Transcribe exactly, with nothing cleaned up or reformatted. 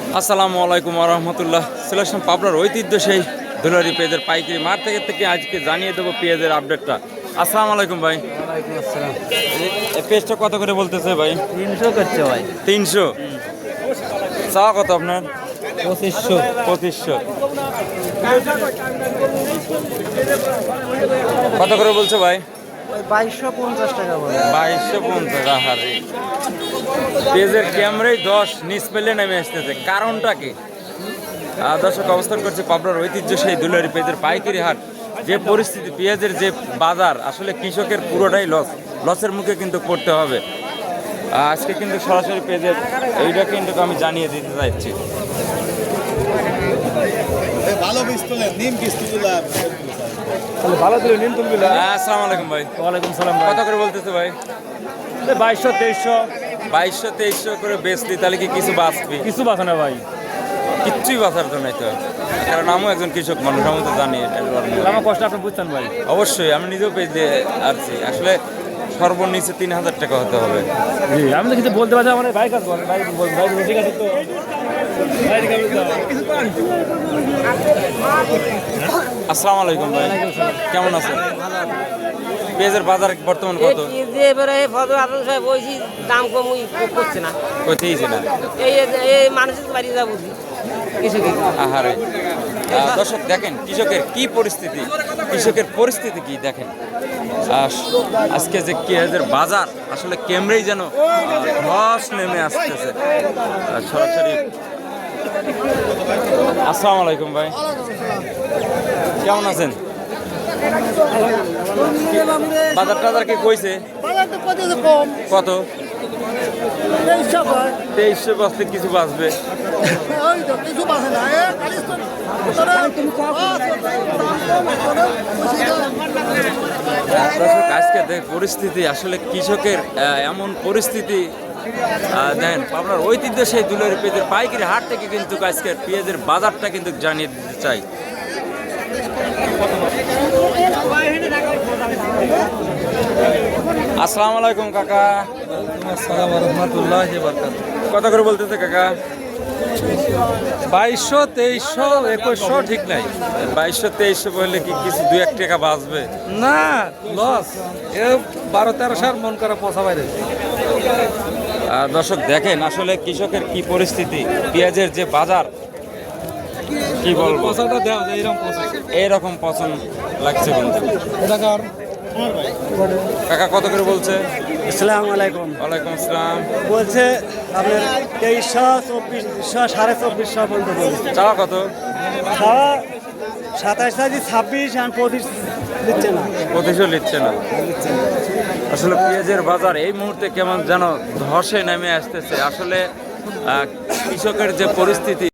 আসসালামু আলাইকুম রহমতুল্লাহ। চলে আসলাম পাবনার ঐতিহ্য সেই দুলারি পেঁয়াজের পাইকারি মাঠ থেকে থেকে আজকে জানিয়ে দেবো পেঁয়াজের আপডেটটা। আসসালামু আলাইকুম ভাই। ওয়ালাইকুম আসসালাম। এই পেঁয়াজটা কত করে বলতেছে ভাই? তিনশো করছে ভাই। তিনশো চাওয়া কত আপনার? পঁচিশশো। পঁচিশশো কত করে বলছে ভাই? বাইশশো পঞ্চাশ টাকা বলে। বাইশশো পঞ্চাশ। আহারে পেঁয়াজের ক্যামেরাই দশ নিচ পেলে নেমে আসতেছে, কারণটা কি? আহ, দর্শক অবস্থান করছে পাবনার ঐতিহ্য সেই দুলারি পেঁয়াজের পাইকারি হাট। যে পরিস্থিতি পেঁয়াজের যে বাজার, আসলে কৃষকের পুরোটাই লস লসের মুখে কিন্তু পড়তে হবে। আহ, আজকে কিন্তু সরাসরি পেঁয়াজের এইটা কিন্তু আমি জানিয়ে দিতে চাইছি। ভালো বীজ তোলেন, নিম বীজ তুললাম। ভালো দিল নিন তুমি। হ্যাঁ, আসসালামু আলাইকুম ভাই। ওয়ালাইকুম সালাম। কত করে বলতেছে ভাই? বাইশশো তেইশশো। বাইশশো তেইশশো করে বেচলি তাহলে কি কিছু বাঁচবি? কিছু বাঁচে না ভাই। কিচ্ছুই বাঁচার জন্য তো, কারণ আমিও একজন কৃষক মানুষ, আমি তো জানি এটা। আমার কষ্ট আপনি বুঝছেন ভাই। অবশ্যই আমি নিজেও পেজ দিয়ে আসছি। আসলে সর্বনিচে তিন হাজার টাকা হতে হবে। জি আমি তো কিছু বলতে পারছি। আমার ভাই কাজ করেন ভাই, ভাই ঠিক আছে তো। আসসালামু আলাইকুম ভাই, কেমন আছেন? পেঁয়াজের বাজার বর্তমান কত? এবারে ফটো আপনার সাহেব বলছি দাম কম করছে না, কইতেইছি না। এই এই মানুষের বাড়ি যা বুঝি কিছু কি আহারে আহ, দর্শক দেখেন কৃষকের কি পরিস্থিতি, কৃষকের পরিস্থিতি কি দেখেন। আহ, আজকে যে পেঁয়াজের বাজার আসলে কেমরেই যেন ধস নেমে আসতেছে। আহ, সরাসরি আসসালামু আলাইকুম ভাই, কেমন আছেন? বাজার টাজার কি কইছে? কত? তেইশশো বস্তে কিছু বাঁচবে। দর্শক আজকে দেখ পরিস্থিতি, আসলে কৃষকের আহ, এমন পরিস্থিতি আহ, দেখেন আপনার ঐতিহ্য সেই দুলারি পেঁয়াজের পাইকারি হাট থেকে কিন্তু আজকের পেঁয়াজের বাজারটা কিন্তু জানিয়ে দিতে চাই। আসসালামু আলাইকুম কাকা। আসসালামু রহমতুল্লাহ বারাকাত। কত করে বলতেছে কাকা? বাইশশো তেইশশো একুশশো ঠিক নাই। বাইশশো তেইশশো বললে কি কিছু দু এক টাকা বাঁচবে? না লস। এ বারো তেরো সার মন করা পচা বাইরে। আহ, দর্শক দেখেন আসলে কৃষকের কি পরিস্থিতি, পেঁয়াজের যে বাজার কি বলবো, পচাটা দেওয়া যায় এরকম পচা। এইরকম পছন্দ লাগছে কিন্তু। কাকা কত করে বলছে? আসসালামু আলাইকুম। ওয়ালাইকুম আসসালাম। বলছে আপনার তেইশশো চব্বিশশো সাড়ে চব্বিশশো পর্যন্ত বলছে। চাওয়া কত? সাতাশ সাজি ছাব্বিশ আর পঁচিশ দিচ্ছে না। পঁচিশও নিচ্ছে না। আসলে পেঁয়াজের বাজার এই মুহূর্তে কেমন যেন ধসে নেমে আসতেছে। আসলে আহ, কৃষকের যে পরিস্থিতি,